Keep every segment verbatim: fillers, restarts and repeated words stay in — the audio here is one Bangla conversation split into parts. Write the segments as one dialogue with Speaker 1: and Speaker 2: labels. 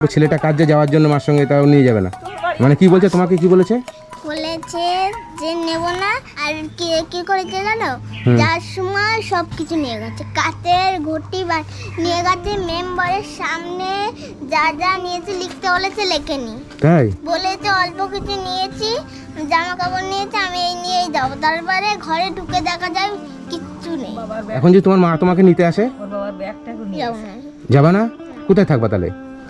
Speaker 1: ছেলেটা কাজে যাওয়ার জন্য মার সঙ্গে তাও নিয়ে যাবে না, মানে কি বলছে তোমাকে? কি বলেছে?
Speaker 2: বলেছে যে নেব না। আর কি কি করেছে জানো, যার সময় সব কিছু নিয়ে গেছে, কাতের ঘটি বা নিয়ে গেছে, মেম্বারের সামনে যা যা নিয়েছে লিখতে বলেছে, লেখেনি।
Speaker 1: তাই
Speaker 2: বলেছে অল্প কিছু নিয়েছি, জামা কাপড় নিয়েছে, আমি এই নিয়েই যাবো। তারপরে ঘরে ঢুকে দেখা যায় কিচ্ছু নেই।
Speaker 1: এখন যে তোমার মা তোমাকে নিতে আসে
Speaker 2: যাবো না।
Speaker 1: যাবা না? কোথায় থাকবা তাহলে?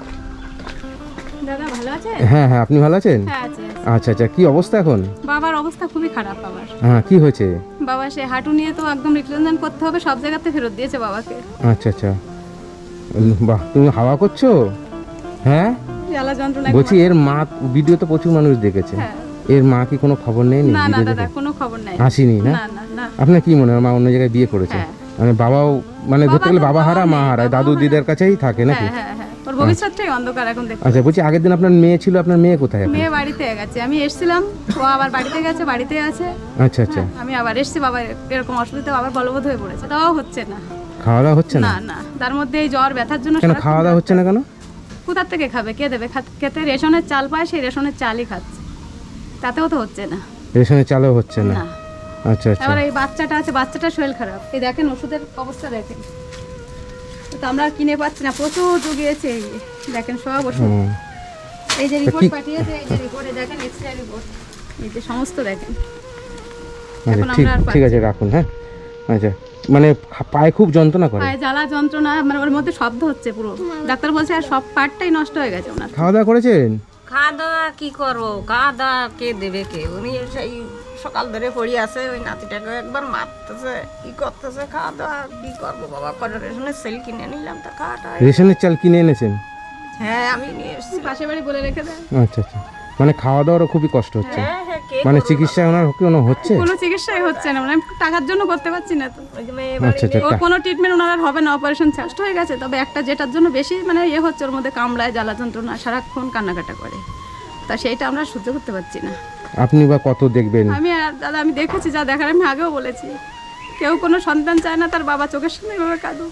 Speaker 3: দাদা ভালো আছে?
Speaker 1: হ্যাঁ হ্যাঁ, আপনি ভালো আছেন?
Speaker 3: হ্যাঁ আছে।
Speaker 1: আচ্ছা আচ্ছা, কি অবস্থা এখন?
Speaker 3: বাবার অবস্থা খুবই খারাপ। বাবার
Speaker 1: হ্যাঁ, কি হয়েছে?
Speaker 3: বাবা সে হাঁটু নিয়ে তো একদম রিপ্লেসমেন্ট করতে হবে, সব জায়গাতে ফেরত দিয়েছে বাবাকে।
Speaker 1: আচ্ছা আচ্ছা, উম, বাহ, তুমি হাওয়া করছো? হ্যাঁ
Speaker 3: জ্বালা যন্ত্রণা।
Speaker 1: বলছি, এর মা ভিডিও তো প্রচুর মানুষ দেখেছে,
Speaker 3: হ্যাঁ।
Speaker 1: এর মা কি কোনো খবর নেই?
Speaker 3: না না দাদা, কোনো খবর নাই।
Speaker 1: আসেনি না?
Speaker 3: না না না।
Speaker 1: আপনার কি মনে হয় মা অন্য জায়গায় বিয়ে করেছে?
Speaker 3: হ্যাঁ।
Speaker 1: মানে বাবাও, মানে ধরতে গেলে বাবা হারা মা হারা,
Speaker 3: বাবাও
Speaker 1: দাদু
Speaker 3: হারা।
Speaker 1: দিদার কাছেই থাকে নাকি?
Speaker 3: হ্যাঁ হ্যাঁ হ্যাঁ, ওর ভবিষ্যৎটাই অন্ধকার এখন দেখতে।
Speaker 1: আচ্ছা, বলছি আগের দিন আপনার মেয়ে ছিল, আপনার মেয়ে কোথায় এখন?
Speaker 3: মেয়ে বাড়িতে গেছে, আমি এসেছিলাম, ও আবার বাড়িতে গেছে, বাড়িতে আছে।
Speaker 1: আচ্ছা আচ্ছা,
Speaker 3: হ্যাঁ, আমি আবার এসেছি, বাবা এরকম অসুবিধা, আবার বলবৎ হয়ে পড়েছে, তাও হচ্ছে না।
Speaker 1: খাওয়া দাওয়া হচ্ছে না?
Speaker 3: না না, তার মধ্যে এই জ্বর ব্যথার জন্য
Speaker 1: কেন
Speaker 3: সারাক্ষণ
Speaker 1: খাওয়া দাওয়া হচ্ছে না কেন?
Speaker 3: কোথার থেকে খাবে, কে দেবে? খাত- খেতে রেশনের চাল পায়, সেই রেশনের চালই খাচ্ছে, তাতেও তো হচ্ছে না।
Speaker 1: রেশনের চালও হচ্ছে না?
Speaker 3: না।
Speaker 1: আচ্ছা আচ্ছা,
Speaker 3: এবার এই বাচ্চাটা আছে, বাচ্চাটার শরীর খারাপ, এই দেখেন ওষুধের অবস্থা দেখেন, তো আমরা কিনে পাচ্ছি না, প্রচুর জুগিয়েছে। এই যে দেখেন সব ওষুধ,
Speaker 1: হুম।
Speaker 3: এই যে রিপোর্ট
Speaker 1: কি-
Speaker 3: পাঠিয়েছে, এই যে রিপোর্টে দেখেন, এক্সরে রিপোর্ট, এই যে সমস্ত দেখেন।
Speaker 1: আচ্ছা
Speaker 3: এখন
Speaker 1: ঠিক
Speaker 3: আমরা আর
Speaker 1: ঠিক আছে, রাখুন। হ্যাঁ আচ্ছা, মানে খা- পায়ে খুব যন্ত্রণা করে?
Speaker 3: পায়ে জ্বালা যন্ত্রণা, মানে ওর মধ্যে শব্দ হচ্ছে পুরো, ডাক্তার বলছে আর সব পার্টটাই নষ্ট হয়ে গেছে ওনার।
Speaker 1: খাওয়া দাওয়া করেছেন?
Speaker 4: খাওয়া দাওয়া কি করবো, খাওয়া দাওয়া কে দেবে কে? উনি সেই সকাল ধরে পড়ে আছে, ওই নাতিটাকে একবার মারতেছে, কি করতেছে, খাওয়া দাওয়া কি করবো বাবা? করে রেশনের সেল কিনে নিলাম, তা খাওয়াটা।
Speaker 1: রেশনের চাল কিনে এনেছেন?
Speaker 4: হ্যাঁ আমি নিয়ে এসেছি।
Speaker 3: পাশে বাড়ি বলে রেখে দেয়,
Speaker 1: আচ্ছা আচ্ছা, মানে খাওয়া দাওয়ারও খুবই কষ্ট হচ্ছে?
Speaker 4: হ্যাঁ হ্যাঁ, কে
Speaker 1: মানে
Speaker 4: করবে?
Speaker 1: চিকিৎসা ওনার কোনো হচ্ছে?
Speaker 3: কোনো চিকিৎসাই হচ্ছে না, মানে আমি টাকার জন্য করতে পারছি না তো।
Speaker 4: ওই যে মেয়ে
Speaker 1: আচ্ছা আচ্ছা,
Speaker 3: ওর
Speaker 1: টা-
Speaker 3: কোনো ট্রিটমেন্ট ওনার আর হবে না, অপারেশন চেষ্ট হয়ে গেছে, তবে একটা যেটার জন্য বেশি মানে ইয়ে হচ্ছে, ওর মধ্যে কামড়ায়, জ্বালা যন্ত্রণা, সারাক্ষণ কান্নাকাটা করে, তা সেইটা আমরা সহ্য করতে পারছি না।
Speaker 1: আপনি বা কত দেখবেন?
Speaker 3: আমি আর দাদা, আমি দেখেছি যা দেখার, আমি আগেও বলেছি, কেউ কোনো সন্তান চায় না তার বাবা চোখের সামনে এভাবে কাঁদো।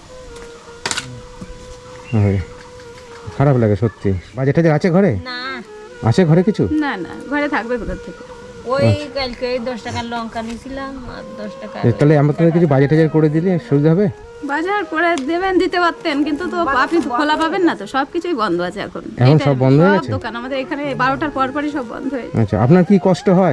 Speaker 1: হয়, খারাপ লাগে সত্যি। বাজেট টাজেট আছে ঘরে?
Speaker 4: না,
Speaker 1: আছে ঘরে কিছু?
Speaker 3: না না, ঘরে থাকবে কোথা থেকে?
Speaker 4: ওই কালকে ওই দশ টাকার লঙ্কা নিয়েছিলাম, আর দশ টাকা
Speaker 1: এ, তাহলে আমাদের কিছু বাজেট টাজেট করে দিলে সুবিধা হবে।
Speaker 3: বাজার করে দেবেন, দিতে পারতেন, কিন্তু তো আপনি তো খোলা পাবেন না, তো সব কিছুই বন্ধ আছে এখন।
Speaker 1: এখন
Speaker 3: এই
Speaker 1: সব
Speaker 3: time এ
Speaker 1: বন্ধ হয়ে
Speaker 3: সব
Speaker 1: গেছে?
Speaker 3: দোকান আমাদের এখানে বারোটার পর পরই সব বন্ধ হয়ে যায়।
Speaker 1: আচ্ছা, আপনার কি কষ্ট হয়?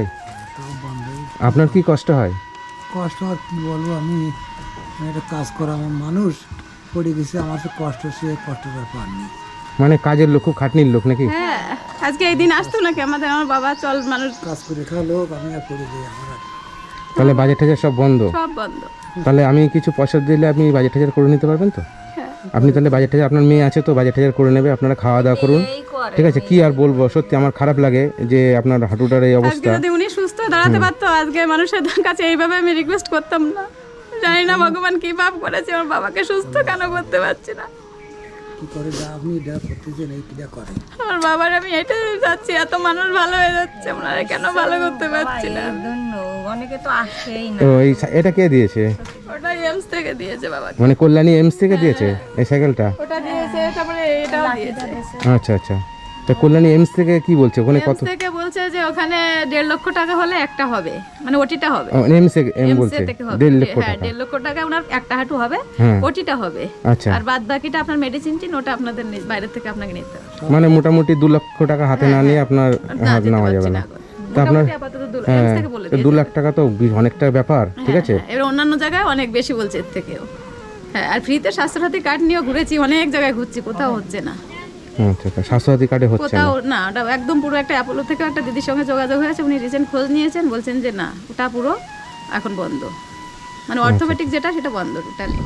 Speaker 1: আপনার কি কষ্ট হয়?
Speaker 5: কষ্ট আর কি বলবো, আমি একটা কাজ করা আমার মানুষ পড়ে গেছে, আমার তো কষ্ট, সে কষ্টটা পাননি।
Speaker 1: মানে কাজের লোক, খুব খাটনির লোক নাকি?
Speaker 3: হ্যাঁ, আজকে এই দিন আসতো নাকি আমাদের, আমার বাবা চল মানুষ,
Speaker 5: কাজ করে খাওয়া লোক, আমি আর করে দিই আমার আর।
Speaker 1: তাহলে বাজেট টাজেট সব বন্ধ?
Speaker 3: সব বন্ধ।
Speaker 1: তাহলে আমি কিছু পয়সা দিলে আপনি বাজেট টাজেট করে নিতে পারবেন তো?
Speaker 3: হ্যাঁ,
Speaker 1: আপনি তাহলে বাজেট টাজেট, আপনার মেয়ে আছে তো, বাজেট টাজেট করে নেবে, আপনারা খাওয়া দাওয়া করুন।
Speaker 4: এই করে।
Speaker 1: ঠিক আছে, কি আর বলবো, সত্যি আমার খারাপ লাগে যে আপনার হাঁটুটার এই
Speaker 3: আজকে
Speaker 1: অবস্থা।
Speaker 3: যদি উনি সুস্থ হয়ে দাঁড়াতে পারতো, আজকে মানুষের কাছে এইভাবে আমি রিকোয়েস্ট করতাম না। জানি না ভগবান কি পাপ করেছে, আমার বাবাকে সুস্থ কেন করতে পারছি না।
Speaker 5: কি করে যা আপনি যা করতেছেন এই কিটা করে।
Speaker 3: আমার বাবার আমি এটাই চাচ্ছি, এত মানুষ ভালো হয়ে যাচ্ছে, ওনারা কেন ভালো করতে পারছি না?
Speaker 4: এই জন্য অনেকে তো আসছেই না।
Speaker 1: তো এই সা- এটা কে দিয়েছে?
Speaker 3: ওটা এমস থেকে দিয়েছে বাবাকে,
Speaker 1: মানে কল্যাণী এমস থেকে দিয়েছে এই সাইকেলটা?
Speaker 3: ওটা দিয়েছে, তারপরে এটাও দিয়েছে।
Speaker 1: আচ্ছা আচ্ছা, তা কল্যাণী এমস থেকে কি বলছে ওখানে কত?
Speaker 3: এমস থেকে বলছে যে ওখানে দেড় লক্ষ টাকা হলে একটা হবে, মানে ওটিটা হবে।
Speaker 1: এমস এম
Speaker 3: এমস
Speaker 1: বলছে
Speaker 3: থেকে হবে,
Speaker 1: দেড় লক্ষ
Speaker 3: হ্যাঁ
Speaker 1: টাকা?
Speaker 3: দেড় লক্ষ টাকা ওনার একটা হাঁটু হবে,
Speaker 1: হ্যাঁ।
Speaker 3: ওটিটা হবে।
Speaker 1: আচ্ছা,
Speaker 3: আর বাদ বাকিটা আপনার মেডিসিন টিন, ওটা আপনাদের নি- বাইরে থেকে আপনাকে নিতে হবে।
Speaker 1: মানে মোটামুটি দু লক্ষ টাকা হাতে না নিয়ে আপনার
Speaker 3: না,
Speaker 1: হাত
Speaker 3: যেতে
Speaker 1: নেওয়া
Speaker 3: পারছি
Speaker 1: যাবে
Speaker 3: না
Speaker 1: না।
Speaker 3: এখন।
Speaker 1: তা আপনার
Speaker 3: মোটামুটি আপাতত দু-
Speaker 1: হ্যাঁ,
Speaker 3: এমস থেকে বলে
Speaker 1: তো দু
Speaker 3: দিয়েছে।
Speaker 1: লাখ টাকা তো বি- অনেকটা ব্যাপার, ঠিক আছে?
Speaker 3: হ্যাঁ, এবার অন্যান্য জায়গায় অনেক বেশি বলছে এর থেকেও। হ্যাঁ, আর ফ্রিতে স্বাস্থ্যসাথী কার্ড নিয়েও ঘুরেছি, অনেক জায়গায় ঘুরছি, কোথাও হচ্ছে না,
Speaker 1: আচ্ছা আচ্ছা, স্বাস্থ্যসাথী কার্ডে হচ্ছে না?
Speaker 3: কোথাও না। ওটা একদম পুরো একটা অ্যাপোলো থেকে একটা দিদির সঙ্গে যোগাযোগ হয়েছে, উনি রিসেন্ট খোঁজ নিয়েছেন, বলছেন যে না ওটা পুরো এখন বন্ধ, মানে অর্থোপেডিক যেটা সেটা বন্ধ টোটালি।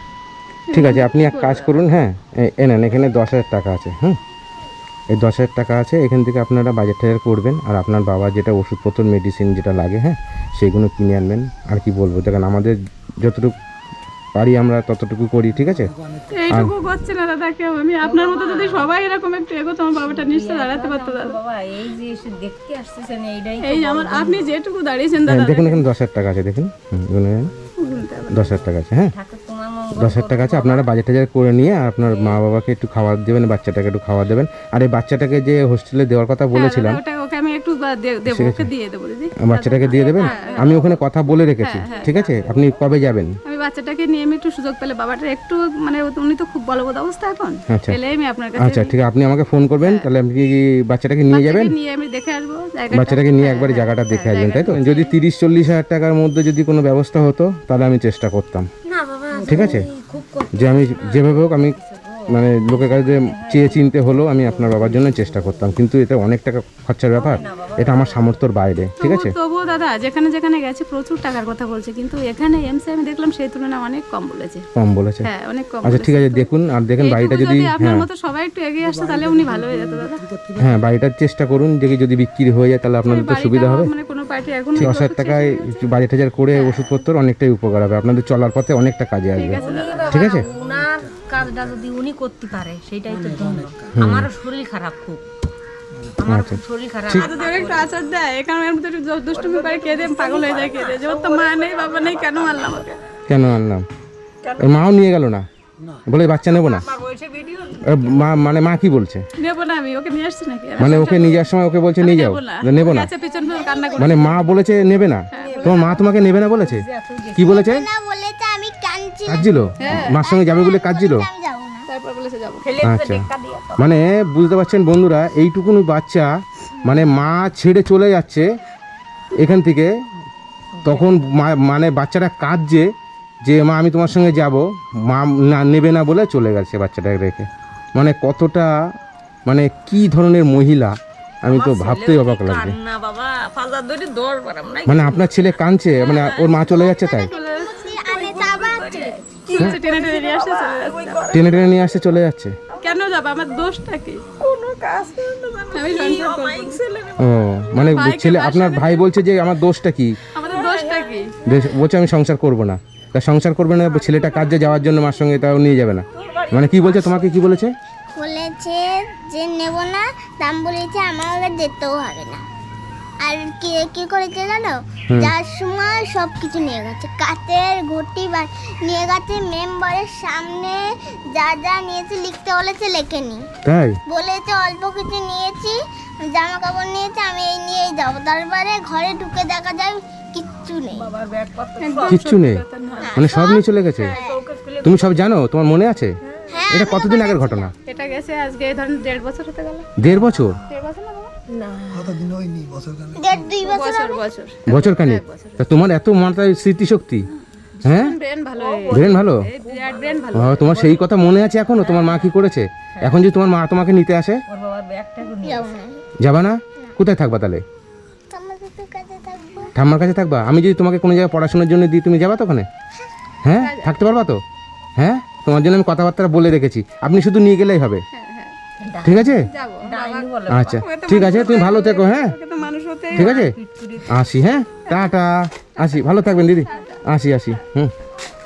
Speaker 1: ঠিক আছে, আপনি এক কাজ করুন, হ্যাঁ এ- এ নেন, এখানে দশ হাজার টাকা আছে। হুম, এই দশ হাজার টাকা আছে, এখান থেকে আপনারা বাজেট টাজার করবেন, আর আপনার বাবা যেটা ওষুধপত্র মেডিসিন যেটা লাগে, হ্যাঁ সেগুলো কিনে আনবেন। আর কি বলবো, দেখেন আমাদের যতটুকু পারি আমরা ততটুকু করি, ঠিক আছে?
Speaker 3: এইটুকু করছে না দাদা কেউ, আমি আপনার মতো যদি সবাই এরকম একটু এগোতো, আমার বাবাটা নিশ্চয় দাঁড়াতে পারতো দাদা।
Speaker 4: বাবা এই যে এসে দেখতে আসতেছেন, এইটাই তো
Speaker 3: এই যে আমার, আপনি যেটুকু দাঁড়িয়েছেন
Speaker 1: হ্যাঁ,
Speaker 3: দাদা,
Speaker 1: দেখুন এখানে দশ হাজার টাকা আছে, দেখুন। হুম, গুনে নেন। দশ হাজার টাকা আছে, হ্যাঁ
Speaker 4: ঠাকুর তোমার
Speaker 1: দশ হাজার টাকা আছে, আপনারা বাজার টাজার করে নিয়ে আর আপনার মা বাবাকে একটু খাবার দেবেন, বাচ্চাটাকে একটু খাবার দেবেন। আর এই বাচ্চাটাকে যে হোস্টেলে দেওয়ার কথা বলেছিলাম,
Speaker 3: ওটা ওকে আমি একটু বা- দে- দেবো, ওকে দিয়ে দেবো দিদি।
Speaker 1: বাচ্চাটাকে দিয়ে দেবেন। আমি ওখানে কথা বলে রেখেছি, ঠিক আছে? আপনি কবে যাবেন?
Speaker 3: আমি বাচ্চাটাকে নিয়ে আমি একটু সুযোগ পেলে, বাবাটা একটু মানে উনি তো খুব বলবৎ অবস্থা এখন,
Speaker 1: আচ্ছা।
Speaker 3: পেলে আমি আপনার কাছে
Speaker 1: আচ্ছা ঠিক আছে, আপনি আমাকে ফোন করবেন, তাহলে আপনি কি বাচ্চাটাকে নিয়ে যাবেন?
Speaker 3: বাচ্চাকে নিয়ে আমি দেখে আসবো জায়গাটা।
Speaker 1: বাচ্চাটাকে নিয়ে একবার জায়গাটা দেখে আসবেন, তাই তো? যদি তিরিশ চল্লিশ হাজার টাকার মধ্যে যদি কোনো ব্যবস্থা হতো তাহলে আমি চেষ্টা করতাম, ঠিক আছে? যে আমি যেভাবে হোক আমি মানে লোকের কাছে যে চেয়ে চিনতে হলো আমি আপনার বাবার জন্য চেষ্টা করতাম, কিন্তু এটা অনেক টাকা খরচার ব্যাপার, এটা আমার সামর্থ্যর বাইরে, ঠিক আছে?
Speaker 3: তবুও- তবুও দাদা যেখানে যেখানে গেছে প্রচুর টাকার কথা বলছে, কিন্তু এখানে এমসে আমি দেখলাম সেই তুলনায় অনেক কম বলেছে।
Speaker 1: কম বলেছে?
Speaker 3: হ্যাঁ অনেক কম
Speaker 1: আচ্ছা
Speaker 3: বলেছে।
Speaker 1: ঠিক আছে, দেখুন আর দেখেন বাড়িটা
Speaker 3: এইটুকু
Speaker 1: যদি,
Speaker 3: আপনার
Speaker 1: হ্যাঁ
Speaker 3: মতো সবাই একটু এগিয়ে আসতো তাহলে উনি ভালো হয়ে যেত দাদা।
Speaker 1: হ্যাঁ বাড়িটার চেষ্টা করুন, যে কি যদি বিক্রি হয়ে যায় তাহলে আপনাদের তো
Speaker 3: বাড়িটা
Speaker 1: সুবিধা হবে।
Speaker 3: মানে কোনো পার্টি এখন
Speaker 1: দশ হাজার টাকায় বাজার টাজার করে ওষুধপত্র অনেকটাই উপকার হবে, আপনাদের চলার পথে অনেকটা কাজে আসবে, ঠিক আছে?
Speaker 4: ওনার কাজটা যদি উনি করতে পারে সেটাই তো ধন্য। আমারও শরীর খারাপ খুব, আমার
Speaker 1: আচ্ছা।
Speaker 4: খুব শরীর খারাপ।
Speaker 3: যদি ওরা একটু আচার দেয়, এখানে এর মধ্যে একটু দুষ্টুমি করে কেঁদে পাগল হয়ে যায়, কেঁদে যে ওর তো মা নেই বাবা নেই, কেন মারলাম ওকে?
Speaker 1: কেন আনলাম? ওর মাও নিয়ে গেল না, বলে বাচ্চা নেবো না? ওর মা মানে মা কি বলছে?
Speaker 3: নেবো না, আমি ওকে নিয়ে আসছি নাকি?
Speaker 1: মানে ওকে নিয়ে যাওয়ার সময় ওকে বলছে নিয়ে যাও, নেবো না?
Speaker 3: আচ্ছা পিছন পিছন কান্না করে
Speaker 1: মানে মা বলেছে নেবে না, তোমার মা তোমাকে নেবে না বলেছে? কি বলেছে?
Speaker 2: না বলেছে আমি কাঁদছি,
Speaker 1: কাঁদছিল? মার সঙ্গে যাবে বলে কাঁদছিল?
Speaker 2: আমি যাবো না।
Speaker 3: তারপর বলেছে যাবো।
Speaker 1: আচ্ছা, মানে বুঝতে পারছেন বন্ধুরা, এইটুকুনি বাচ্চা মানে মা ছেড়ে চলে যাচ্ছে এখান থেকে, তখন মা- মানে বাচ্চাটা কাঁদছে যে মা আমি তোমার সঙ্গে যাব, মা না নেবে না বলে চলে গেছে বাচ্চাটাকে রেখে। মানে কতটা মানে কি ধরনের মহিলা, আমি তো ভাবতেই অবাক লাগছে।
Speaker 4: না বাবা ফাজার ধরে দৌড় পারাম নাই।
Speaker 1: মানে আপনার ছেলে কাঁদছে, মানে ওর মা চলে যাচ্ছে তাই?
Speaker 2: আনে তো আবার চলে গেছে।
Speaker 3: কি হচ্ছে, টেনে টেনে নিয়ে আসছে চলে যাচ্ছে।
Speaker 1: টেনে টেনে নিয়ে আসতে চলে যাচ্ছে?
Speaker 3: কেন যাবো, আমার দোষটা কি?
Speaker 4: কোনো কাজ
Speaker 3: আমি সংসার করবো।
Speaker 1: ও মানে ছেলে আপনার ভাই বলছে যে আমার দোষটা কি?
Speaker 3: আমাদের দোষটা কি?
Speaker 1: বেশ, বলছে আমি সংসার করব না। তা সংসার করবে না, ছেলেটা কাজে যাওয়ার জন্য মার সঙ্গে তাও নিয়ে যাবে না, মানে কি বলছে তোমাকে? কি বলেছে?
Speaker 2: বলেছে যে নেব না, দাম বলেছে আমার আগে যেতেও হবে না। আর কি কি করেছে জানো, যার সময় সব কিছু নিয়ে গেছে, কাতের ঘটি বা নিয়ে গেছে, মেম্বারের সামনে যা যা নিয়েছে লিখতে বলেছে লেখেনি,
Speaker 1: তাই?
Speaker 2: বলেছে অল্প কিছু নিয়েছি, জামা কাপড় নিয়েছে, আমি এই নিয়েই যাবো। তারপরে ঘরে ঢুকে দেখা যায় কিচ্ছু নেই।
Speaker 4: বাবার ব্যাগ পত্র
Speaker 1: কিচ্ছু নেই, মানে সব নিয়ে চলে গেছে? তুমি সব জানো? তোমার মনে আছে?
Speaker 2: হ্যাঁ,
Speaker 1: এটা কতদিন আগের ঘটনা?
Speaker 3: এটা গেছে আজকে এই ধরেন দেড় বছর হতে গেল।
Speaker 1: দেড় বছর?
Speaker 3: দেড় বছর না বাবা?
Speaker 5: কতদিন হয়নি, বছর খানেক।
Speaker 2: দেড় দুই বছর
Speaker 3: বছর
Speaker 2: হবে।
Speaker 3: বছর।
Speaker 1: বছর খানিক? তা তোমার এত মাথায় স্মৃতিশক্তি, হ্যাঁ?
Speaker 3: ব্রেন ভালো হয়ে
Speaker 1: ব্রেন ভালো?
Speaker 3: গেছে, বিরাট ব্রেন ভালো।
Speaker 1: ও, তোমার সেই কথা মনে আছে এখনো? তোমার মা কি করেছে? এখন যদি তোমার মা তোমাকে নিতে আসে,
Speaker 4: ওর বাবার ব্যাগটা নিয়ে
Speaker 2: যাবো না,
Speaker 1: যাবা না? কোথায় থাকবা তাহলে?
Speaker 2: তোমাদের তো কাছে থাকবো।
Speaker 1: ঠাম্মার কাছে থাকবা? আমি যদি তোমাকে কোনো জায়গায় পড়াশোনার জন্য দিই, তুমি যাবা তো ওখানে? হ্যাঁ, থাকতে পারবা তো? হ্যাঁ, তোমার জন্য আমি কথাবার্তা বলে রেখেছি, আপনি শুধু নিয়ে গেলেই হবে, ঠিক আছে?
Speaker 3: যাবো।
Speaker 4: ডাইনি বলে
Speaker 1: আচ্ছা ঠিক আছে, তুমি ভালো থেকো, হ্যাঁ
Speaker 3: ওকে তো মানুষ হতে
Speaker 1: ঠিক আছে, আসি, হ্যাঁ টাটা, আসি, ভালো থাকবেন দিদি, আসি আসি, হুম।